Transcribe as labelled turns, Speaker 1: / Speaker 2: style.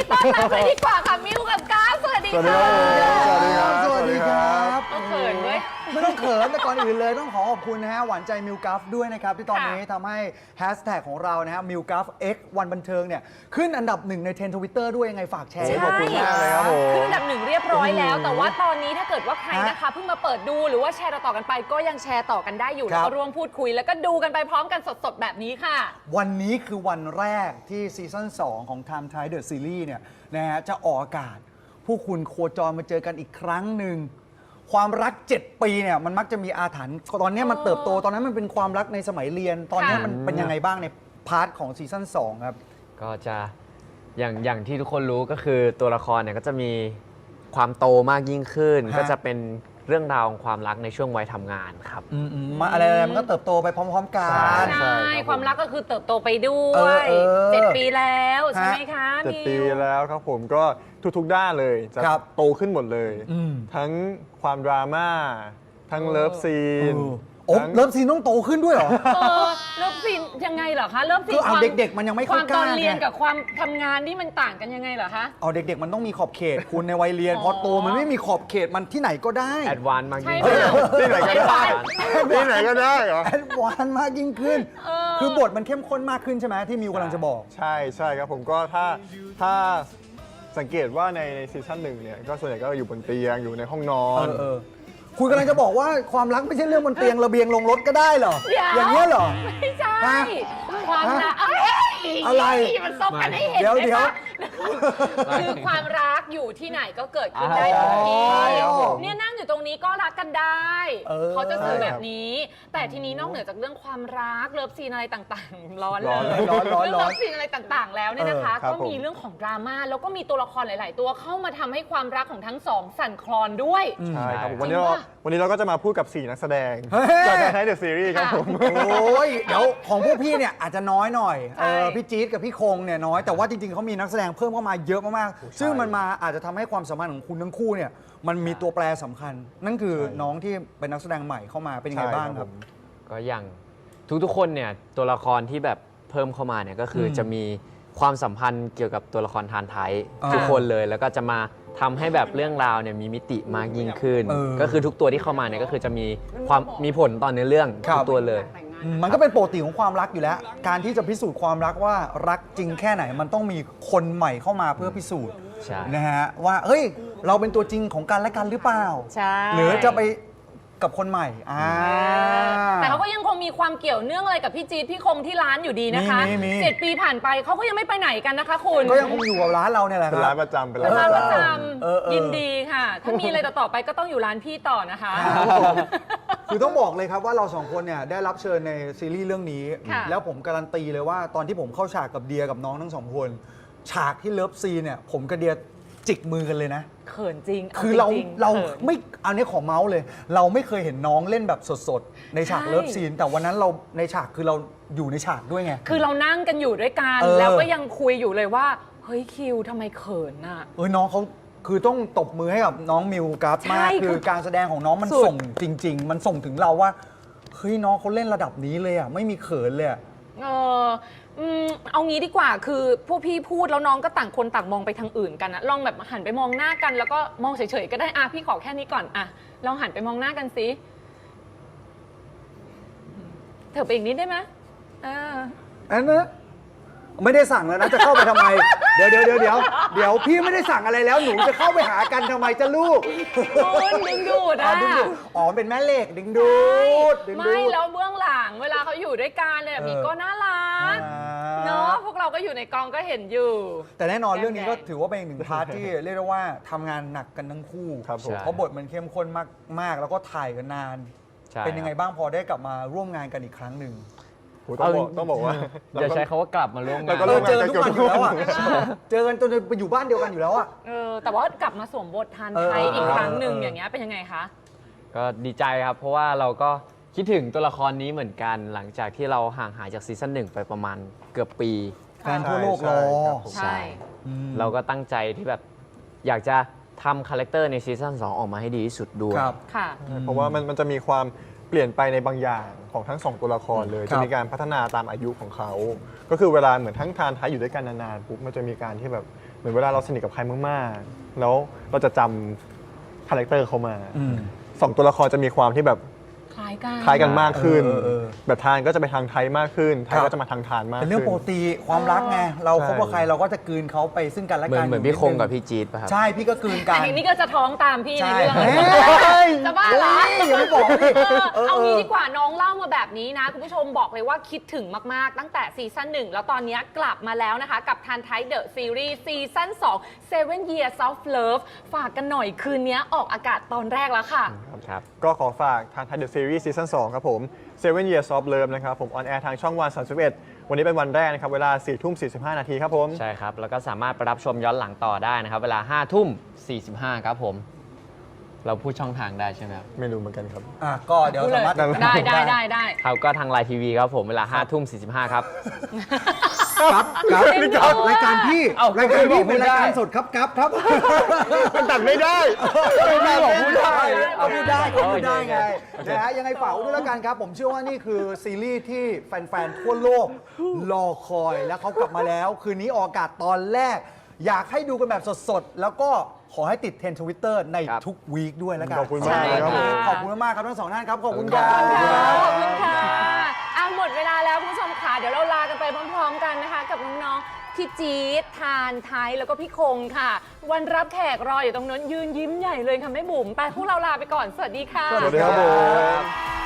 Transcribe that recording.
Speaker 1: ต้อนรับเลยดีกว่าค่ะมิวกับก้าวสวัสดีค่ะ
Speaker 2: สวัสดีครับ
Speaker 3: สวัสดีครับ
Speaker 1: เอาเขินด้วย
Speaker 3: ไม่ต้องเขินแต่ก่อนอื่นเลยต้องขอขอบคุณนะฮะหวานใจมิวกัฟด้วยนะครับที่ตอนนี้ทำให้แฮชแท็กของเรานะฮะมิวกัฟ X วันบันเทิงเนี่ยขึ้นอันดับหนึ่งในเทรนด์ทวิตเตอร์ด้วยยังไงฝากแชร์
Speaker 1: ใช่
Speaker 3: ขอบคุณมากเลยครับผม
Speaker 1: ขึ้นอันดับหนึ่งเรียบร้อยแล้ว แต่ว่าตอนนี้ถ้าเกิดว่าใครนะคะเพิ่งมาเปิดดูหรือว่าแชร์ต่อกันไปก็ยังแชร์ต่อกันได้อยู่
Speaker 3: ครั
Speaker 1: แล้ว
Speaker 3: บ
Speaker 1: ก็ร่วมพูดคุย แล้วก็ดูกันไปพร้อมกันสดๆแบบนี้ค่ะ
Speaker 3: วันนี้คือวันแรกที่ซีซั่น2 ของ Time Thai The Series เนี่ยนะฮะจะออกอากาศ ผู้คุณโคจรมาเจอกันอีกครั้งหนึ่งความรัก 7 ปีเนี่ยมันมักจะมีอาถรรพ์ตอนนี้มันเติบโตตอนนั้นมันเป็นความรักในสมัยเรียน ตอนนี้มันเป็นยังไงบ้างในพาร์ทของซีซั่น2ครับ
Speaker 2: ก็จะอย่างที่ทุกคนรู้ก็คือตัวละครเนี่ยก็จะมีความโตมากยิ่งขึ้น
Speaker 3: ฮะ
Speaker 2: ก็จะเป็นเรื่องราวของความรักในช่วงวัยทำงานครับ
Speaker 3: มาอะไรๆมันก็เติบโตไปพร้อม ๆ กัน
Speaker 1: ใช่ ความรักก็คือเติบโตไปด้ว
Speaker 3: เออย
Speaker 1: 7 ปีแล้วใช่ไหมคะ
Speaker 4: 7 ปี
Speaker 1: มิว
Speaker 4: แล้วครับผมก็ทุกๆด้านเลยจะ
Speaker 3: ครับ
Speaker 4: โตขึ้นหมดเลย
Speaker 3: อืม
Speaker 4: ทั้งความดราม่าทั้งเลิฟซีน
Speaker 3: โอ้
Speaker 4: ทั้ง
Speaker 3: เริ่มซีนต้องโตขึ้นด้วยเหรอ
Speaker 1: เริ่มซีนยังไงเหรอคะเริ่มซีน
Speaker 3: คือเอา
Speaker 1: ความ
Speaker 3: เด็กๆมันยังไม่
Speaker 1: ค
Speaker 3: ค่อ
Speaker 1: วาย ม
Speaker 3: ก
Speaker 1: ตอ
Speaker 3: ล้าน
Speaker 1: เรียน
Speaker 3: ไง
Speaker 1: กับความทำงานที่มันต่างกันยังไงเหรอคะ
Speaker 3: เอาเด็กๆมันต้องมีขอบเขต คุณในวัยเรียน
Speaker 1: อ๋อ
Speaker 3: พอโตมันไม่มีขอบเขตมันที่ไหนก็ได้
Speaker 2: แอดวานซ์มาก
Speaker 1: ใช่
Speaker 2: ยิ่ง
Speaker 1: เป
Speaker 2: ขึ้น
Speaker 1: ล่า
Speaker 4: ที่ไหนก็ได้ที่ไหนก็ได้เหรอ
Speaker 3: แอดวานซ์มากยิ่งขึ้น คือบทมันเข้มข้นมากขึ้นใช่ไหมที่มิวกำลังจะบอก
Speaker 4: ใช่ครับผมก็ถ้าสังเกตว่าในซีซั่นหนึ่งเนี่ยก็ส่วนใหญ่ก็อยู่บนเตียงอยู่ในห้องนอน
Speaker 3: คุณกำลังจะบอกว่าความรักไม่ใช่เรื่องบนเตียงระเบียงลงรถก็ได้เหรอ
Speaker 1: เดี๋ยว
Speaker 3: อย่างนี้ยเหรอ
Speaker 1: ไม่ใช่
Speaker 3: ฮะ
Speaker 1: ความรักเอ้ย
Speaker 3: อะไร
Speaker 1: มันซบกันให้เห็น
Speaker 3: เดี๋ยว
Speaker 1: ไหม
Speaker 3: เดี๋ยว
Speaker 1: คะคือความรักอยู่ที่ไหนก็เกิดขึ้นได้ทุกที่
Speaker 3: ใช่ครับผม
Speaker 1: เนี่ยนั่งอยู่ตรงนี้ก็รักกันได้ เขาจะสื่อแบบนี้ แต่ทีนี้นอกเหนือจากเรื่องความรักเลิฟซีนอะไรต่างๆ ร้อนเลย
Speaker 3: ร้อน
Speaker 1: เรื่องเลิฟซีนอะไรต่างๆ แล้วเนี่ยนะคะ
Speaker 4: ครับ
Speaker 1: ก็มีเรื่องของดราม่าแล้วก็มีตัวละครหลาย ๆ ตัวเข้ามาทำให้ความรักของทั้งสองสั่นคลอนด้วย
Speaker 4: ใช่ครับผม
Speaker 1: จริง
Speaker 4: วันนี้เราก็จะมาพูดกับ 4 นักแสดง
Speaker 3: เฮ้ย
Speaker 4: จากการใช้เดอะซีรีส์ครับผม
Speaker 3: โอ้ยเดี๋ยวของพวกพี่เนี่ยอาจจะน้อยหน่อย
Speaker 1: ใช่
Speaker 3: พี่จี๊ดกับพี่คงเนี่ยน้อยแต่ว่าจริงๆเขามีนักแสดงเพิ่มเข้ามาเยอะมากๆซึ่งมันมาอาจจะทำให้ความสัมพันธ์ของคุณทั้งคู่เนี่ยมันมีตัวแปรสำคัญ นั่นคือ
Speaker 4: ใช่
Speaker 3: น้องที่เป็นนักแสดงใหม่เข้ามาเป็นยังไงบ้างครับ
Speaker 2: ก็อย่างทุกๆคนเนี่ยตัวละครที่แบบเพิ่มเข้ามาเนี่ยก็คือจะมีความสัมพันธ์เกี่ยวกับตัวละครทานไทย
Speaker 3: อ่า
Speaker 2: ทุกคนเลยแล้วก็จะมาทำให้แบบเรื่องราวเนี่ยมีมิติมากยิ่งขึ้น ก็คือทุกตัวที่เข้ามาเนี่ยก็คือจะมีผลต่อเนื้อเรื่อง
Speaker 3: ครับ
Speaker 2: ทุกตัวเลย
Speaker 3: มันก็เป็นปกติของความรักอยู่แล้ว การที่จะพิสูจน์ความรักว่ารักจริงแค่ไหนมันต้องมีคนใหม่เข้ามาเพื่อพิสูจน์
Speaker 2: ใช่
Speaker 3: นะฮะว่าเฮ้ยเราเป็นตัวจริงของกันและกันหรือเปล่า
Speaker 1: ใช่
Speaker 3: หรือจะไปกับคนใหม่
Speaker 1: แต่เขาก็ยังคงมีความเกี่ยวเนื่องอะไรกับพี่จี๊ดพี่คงที่ร้านอยู่ดีนะคะ
Speaker 3: มี
Speaker 1: 7 ปีผ่านไปเขาก็ยังไม่ไปไหนกันนะคะคุณ
Speaker 3: ก็ยังคงอยู่กับร้านเราเนี่ยแหละค
Speaker 4: เป็น
Speaker 3: รั
Speaker 4: ร้า
Speaker 3: บ
Speaker 4: นประจำเป็น
Speaker 1: เป็น
Speaker 4: ร้าน
Speaker 1: ร้าน
Speaker 4: ป
Speaker 1: ประ ระ
Speaker 4: จ
Speaker 1: จ
Speaker 3: เออ
Speaker 1: ำยินดีค่ะ ถ้ามีอะไรต่อไปก็ต้องอยู่ร้านพี่ต่อนะคะ
Speaker 3: คือต้องบอกเลยครับว่าเราสองคนเนี่ยได้รับเชิญในซีรีส์เรื่องนี้
Speaker 1: ค่ะ
Speaker 3: แล้วผมการันตีเลยว่าตอนที่ผมเข้าฉากกับเดียกับน้องทั้งสองคน ฉากที่เลิฟซีนเนี่ยผมกับเดียจิกมือกันเลยนะ
Speaker 1: เขินจริง
Speaker 3: คือเรา
Speaker 1: จงๆ
Speaker 3: เรา
Speaker 1: ขิน
Speaker 3: ไม่เอาเนี้ยขอเมาส์เลย เราไม่เคยเห็นน้องเล่นแบบสดๆ ในฉาก
Speaker 1: ใช่
Speaker 3: เลิฟซีน แต่วันนั้นเราในฉากคือเราอยู่ในฉากด้วยไง
Speaker 1: คือเรานั่งกันอยู่ด้วยกัน
Speaker 3: เออ
Speaker 1: แล้วก็ยังคุยอยู่เลยว่า เฮ้ยคิวทำไมเขินน่ะ
Speaker 3: น้องเขาคือต้องตบมือให้กับน้องมิวกราฟมาก
Speaker 1: ใช่
Speaker 3: คือการแสดงของน้องมัน
Speaker 1: สุด
Speaker 3: ส่งจริง ๆ มันส่งถึงเราว่าเฮ้ยน้องเขาเล่นระดับนี้เลยอ่ะไม่มีเขินเลยอะ
Speaker 1: เออเอางี้ดีกว่าคือพวกพี่พูดแล้วน้องก็ต่างคนต่างมองไปทางอื่นกันนะลองแบบหันไปมองหน้ากัน แล้วก็มองเฉยๆก็ได้พี่ขอแค่นี้ก่อนลองหันไปมองหน้ากันสิเถอะไปอีกนิดได้ไหม
Speaker 3: อันนะไม่ได้สั่งแล้วนะจะเข้าไปทำไม เดี๋ยวพี่ไม่ได้สั่งอะไรแล้วหนูจะเข้าไปหากันทำไมจะลูก
Speaker 1: คุณดึงดูด
Speaker 3: ดึงดูดอ๋อเป็นแม่เหล็กดึงดูดดึงดู
Speaker 1: ไม่
Speaker 3: ด
Speaker 1: แล้วเบื้องหลังเวลาเขาอยู่ด้วยกันเลยแบบนี้ก็น่ารักเนาะพวกเราก็อยู่ในกองก็เห็นอยู่
Speaker 3: แต่แน่นอนเรื่องนี้ก็
Speaker 1: แดงๆ
Speaker 3: ถือว่าเป็นอีกหนึ่งพาร์ทที่เรียกได้ว่าทำงานหนักกันทั้งคู่
Speaker 4: ครับผม
Speaker 3: เพราะบทมันเข้มข้นมากแล้วก็ถ่ายกันนาน
Speaker 2: ใช่
Speaker 3: เป็นยังไงบ้างพอได้กลับมาร่วมงานกันอีกครั้งหนึ่ง
Speaker 4: โหต้องบอกว่า
Speaker 2: อย่าใช้คาว่ากลับมาร่วมงา
Speaker 4: แล้
Speaker 2: น
Speaker 4: วก็ร่วม
Speaker 3: เจอกันทุกวันอยู่แล้วอ่ะเจอกันจนไปอยู่บ้านเดียวกันอยู่แล้วอ่ะ
Speaker 1: แต่ว่ากลับมาสวมบททานไทยอีกครั้งหนึ่งอย่างเงี้ยเป็นยังไงคะ
Speaker 2: ก็ดีใจครับ เพราะว่าเราก็คิดถึงตัวละครนี้เหมือนกัน หลังจากที่เราห่างหายจากซีซั่น1ไปประมาณเกือบปี
Speaker 3: แฟนทั่วโลกรอ
Speaker 1: ใช่
Speaker 2: เราก็ตั้งใจที่แบบอยากจะทำคาแรคเตอร์ในซีซั่น2ออกมาให้ดีที่สุดด้วย
Speaker 3: ครับ
Speaker 1: ค่ะ
Speaker 4: เพราะว่ามันจะมีความเปลี่ยนไปในบางอย่างของทั้งสองตัวละครเลย
Speaker 3: ครับ
Speaker 4: จะมีการพัฒนาตามอายุของเขา ก็คือเวลาเหมือนทั้งทานท้ายอยู่ด้วยกันนานๆปุ๊บมันจะมีการที่แบบมือนเวลาเราสนิทกับใครมากๆแล้วเราจะจำคาแรคเตอร์เขามาสองตัวละครจะมีความที่แบบ
Speaker 1: คล้ายกัน
Speaker 4: คล้ายกันมากขึ้น
Speaker 3: เออ
Speaker 4: แบบทานก็จะไปทางไทยมากขึ้นไทยก็จะมาทางทานมาก
Speaker 3: เป็น
Speaker 4: ขึ้น
Speaker 3: เรื่องปกติความรักไงเราคบกับใครเราก็จะกลืนเขาไปซึ่งกันและ
Speaker 2: เหมื
Speaker 3: กั
Speaker 2: อน
Speaker 3: น
Speaker 2: เหมือนพี่คงกับพี่จี๊ดป่ะครับ
Speaker 3: ใช่พี่ก็กลืนกัน
Speaker 1: แต่นี่ก็จะท้องตามพี่ใน
Speaker 3: ใช่
Speaker 1: เรื่อง
Speaker 3: เฮ้ย
Speaker 1: จะบ้าเหรอ
Speaker 3: อย่าไปบอกดิ
Speaker 1: เอางี้ดีกว่าน้องเล่ามาแบบนี้นะ คุณผู้ชมบอกเลยว่าคิดถึงมาก ๆ ตั้งแต่ซีซั่น1 แล้วตอนนี้กลับมาแล้วนะคะ กับทานไทยเดอะซีรีส์ซีซั่น2 Seven Years of Love ฝากกันหน่อยคืนนี้ออกอากาศตอนแรกแล้วค่ะ
Speaker 2: ครับ
Speaker 4: ก็ขอฝากทางไทยเดอะซีรีส์ซีซั่น2ครับผม Seven Years of Love นะครับผมออนแอร์ทางช่องวัน31วันนี้เป็นวันแรกนะครับเวลา 4:45 นาทีครับผม
Speaker 2: ใช่ครับ แล้วก็สามารถไปรับชมย้อนหลังต่อได้นะครับ เวลา 5:45 ครับผม เราพูดช่องทางได้ใช่ไหมครับ
Speaker 4: ไม่รู้เหมือนกันครับ
Speaker 3: อ่ะก็เดี๋ยวสามารถ
Speaker 1: ได้
Speaker 2: ครับก็ทางไลน์ทีวีครับผมเวลา 5:45 ครับ
Speaker 3: ครับครับ
Speaker 1: จริงเหรอ
Speaker 3: รายการพี่
Speaker 2: เอ้าร
Speaker 3: ายการพี่
Speaker 2: ไม่
Speaker 3: เป็น
Speaker 2: ได้
Speaker 3: รายการสดครับครับ
Speaker 4: มันตัดไม่ได้
Speaker 3: ไม่บอกพูดได้
Speaker 2: เอา
Speaker 3: พูดได้ก็พูดได้ไง
Speaker 2: โอเค
Speaker 3: นะฮะยังไงฝากไว้ด้วยแล้วกันครับ ผมเชื่อว่านี่คือซีรีส์ที่แฟนๆทั่วโลกรอคอยแล้วเขากลับมาแล้ว คืนนี้ออกอากาศตอนแรก อยากให้ดูกันแบบสดๆ แล้วก็ขอให้ติดเทรนด์ทวิตเตอร์ใน
Speaker 2: ครับ
Speaker 3: ทุกวีคด้วยแล้วกัน
Speaker 4: ขอบคุณมากเลยครับผม
Speaker 3: ขอบคุณมากๆครับทั้งสองท่านครับขอบคุณค
Speaker 1: ข
Speaker 3: รั
Speaker 1: อบ
Speaker 3: บ
Speaker 1: คุณค่ะขอบคุณค่ะหมดเวลาแล้วคุณผู้ชมค่ะ เดี๋ยวเราลากันไปพร้อมๆกันนะคะ กับน้องๆพี่จี๊ดทานไทยแล้วก็พี่คงค่ะ วันรับแขกรออยู่ตรงนั้นยืนยิ้มใหญ่เลยค่ะแม่บุ๋มไปพวกเราลาไปก่อนสวัสดีค่ะ
Speaker 4: สวัสดีครับผม